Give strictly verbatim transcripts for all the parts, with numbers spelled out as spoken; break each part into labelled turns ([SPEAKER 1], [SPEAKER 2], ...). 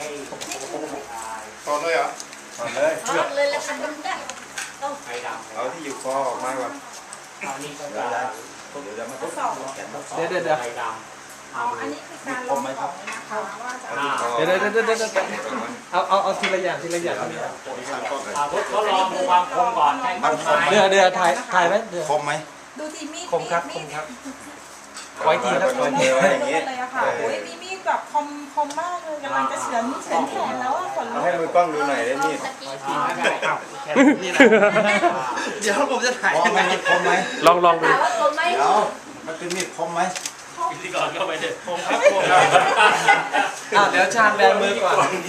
[SPEAKER 1] ถอดเลยเหรอ
[SPEAKER 2] ถอดเลย
[SPEAKER 3] ถอดเลยแล้วทำกันได้ต้อง
[SPEAKER 4] ไฟดำ
[SPEAKER 2] เอาที่อยู่คอออกมาก่อน
[SPEAKER 4] เอานี่ก็
[SPEAKER 2] เดี๋ยว
[SPEAKER 4] จะ
[SPEAKER 2] จะเดี๋ยวจะมาทดสอบแขนทดสอบ
[SPEAKER 5] เดี๋ยวเดี๋ยวเดี๋ยว
[SPEAKER 4] ไฟดำ
[SPEAKER 6] อ๋ออันนี้คือการลองของนะคะว่าจะ
[SPEAKER 2] เอาที่คอ
[SPEAKER 5] เดี๋ยวเดี๋ยวเดี๋ยวเดี๋ยวเดี๋ยวเอาเอาเอาทีละอย่างทีละอย่าง
[SPEAKER 4] อ่าทดลองดูความคมก่อนให้มันคมไหม
[SPEAKER 5] เดี๋ยวเดี๋ยวถ่ายถ่ายไว้เดี๋ยว
[SPEAKER 2] คมไหม
[SPEAKER 6] ดูทีมีด
[SPEAKER 5] คมครับค
[SPEAKER 6] มี
[SPEAKER 5] ม
[SPEAKER 6] ด
[SPEAKER 5] ครับไว้ทีครับไว้ที
[SPEAKER 2] ไว้อย่างนี้
[SPEAKER 6] เลยอะค่ะโอ้ยมีมีดแบบคมคมมากเลยกำลังจะเฉือนเฉือนแขนแล้วอะขนลุ
[SPEAKER 2] เอา
[SPEAKER 6] ก
[SPEAKER 2] ให้มือกล้องดูหน่อยได้มีด
[SPEAKER 4] อ่าได้ครับ
[SPEAKER 5] แค่นี้นะเดี๋ยวผมจะถ่าย
[SPEAKER 2] คมไหมคมไหม
[SPEAKER 5] ลองลองดู
[SPEAKER 3] ถามว่าคมไหม
[SPEAKER 2] เดี๋ยวมันเป็นมีดคมไหม
[SPEAKER 4] พิธีกรก็ไปเด็ดคมครับคมครับ
[SPEAKER 5] อ่ะเดี๋ยวชาญแบมือก่อน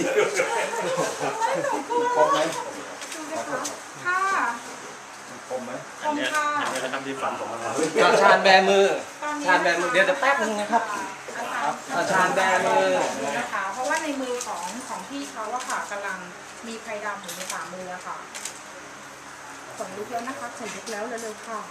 [SPEAKER 2] คมไหม
[SPEAKER 6] ดูนะคะค่ะ
[SPEAKER 2] คมไหม
[SPEAKER 6] คมค่ะ
[SPEAKER 4] อันนี้เขาทำที่ฝันผมนะครับ
[SPEAKER 5] อ่ะชาญแบมือ
[SPEAKER 6] ตอนนี้
[SPEAKER 5] ชาญแบมือเดี๋ยวเดี๋ยวแป๊บนึงนะครับ อ่ะชาญแบมือ
[SPEAKER 6] นะคะเพราะว่าในมือของของพี่เขาอะค่ะกำลังมีไพรดำอยู่ในฝ่ามืออะค่ะขนลุกแล้วนะคะขนลุกแล้วเร็วๆค่ะ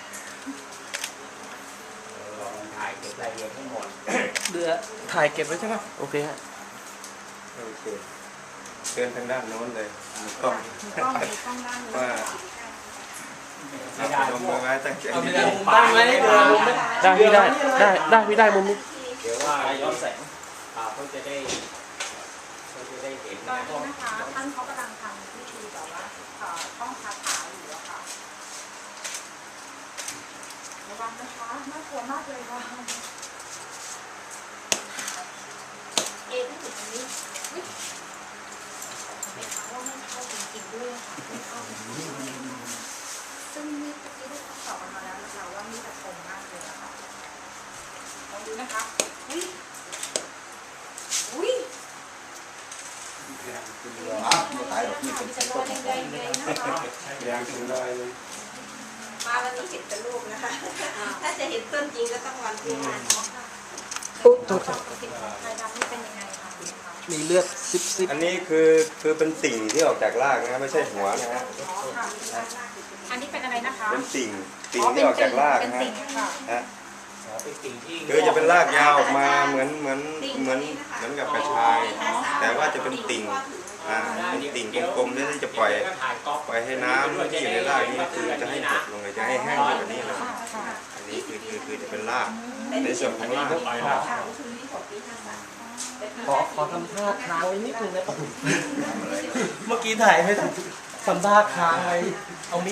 [SPEAKER 4] ลองถ่ายเก็บรายละเอียดทั้งหมด
[SPEAKER 5] เดือถ่ายเก็บไว้ใช่ไหมโอเคฮะ
[SPEAKER 2] โอเคเดินทางด้านโน้นเลยมือกล้อง
[SPEAKER 6] มีกล้องมีกล้องด้านนู้น
[SPEAKER 2] ว่า
[SPEAKER 4] ไม่ได้
[SPEAKER 2] ลงมือไว้ตั้งใจ
[SPEAKER 5] เอา
[SPEAKER 2] ดี
[SPEAKER 5] เดือมุมได้ไหมเดือมุมได้
[SPEAKER 7] ได้พี่ได้ได้ได้พี่ได้มุมนี้
[SPEAKER 4] เดี๋ยวว่าย้อนแสงอ่าเขาจะได้เขาจะได้เห็น
[SPEAKER 6] ตอนนี้นะคะท่านเขากำลังทำพิธีแบบว่าเอ่อต้องคาถาอยู่อะค่ะระวังนะคะน่ากลัวมากเลยค่ะ
[SPEAKER 3] เอที่อยู่ตรงนี้วิเป็นคำว่าไม่เข้าจริงๆด้วยค่ะไม่เข้าจริงๆซึ่งมีเมื่อกี้ได้ทดสอบกันมาแล้วนะคะว่ามีแต่คมมากเลยอะค่ะ
[SPEAKER 6] ลองดูนะคะ
[SPEAKER 3] อุ้ยอุ้ย
[SPEAKER 2] อ้าวไม่ตายหรอกนี่เป็น
[SPEAKER 3] มีแต่รอยแดงๆเลยนะคะ
[SPEAKER 2] แดงถึงได้เลย
[SPEAKER 3] มาวันนี้เห็นแต่รูปนะคะ ถ้าจะเห็นต้นจริงก็ต้องวันที่งานเนาะค่ะ
[SPEAKER 5] อุ๊ยโทษครับ
[SPEAKER 6] ไพรดำนี่เป็นยังไงคะคุณคะ
[SPEAKER 5] มีเลือดซิบซิบ
[SPEAKER 2] อันนี้คือคือเป็นติ่งที่ออกจากรากนะไม่ใช่หัวนะฮะ
[SPEAKER 6] อ๋อค่ะอันนี้เป็นอะไรนะคะ
[SPEAKER 2] เป็นติ่งติ่งที่ออกจากราก
[SPEAKER 6] เป็น
[SPEAKER 2] นะฮะ
[SPEAKER 6] ติ่งค่ะ
[SPEAKER 2] ฮะ
[SPEAKER 4] อ๋อเป็นสิ่งที่
[SPEAKER 2] คือจะเป็นรากยาวออกมาเหมือนเหมือนเหมือนเหมือนกับกระชาย แต่ว่าจะเป็นติ่งอ่าเป็นติ่งกลมๆนี่ที่จะปล่อย
[SPEAKER 4] ถ่ายก๊อป
[SPEAKER 2] ปล่อยให้น้ำที่อยู่ในรากนี่คือจะให้หดลงเลยจะให้แห้งแบบนี้นะ
[SPEAKER 6] ค่ะ
[SPEAKER 2] อันนี้คือคือคือจะเป็นรากในส่วนของราก
[SPEAKER 4] ปล่อยแล้ว
[SPEAKER 5] ขอขอทำท่าค้างไว้นิดนึงนะเมื่อกี้ถ่ายไม่ทันทำท่าค้างไว้เอามี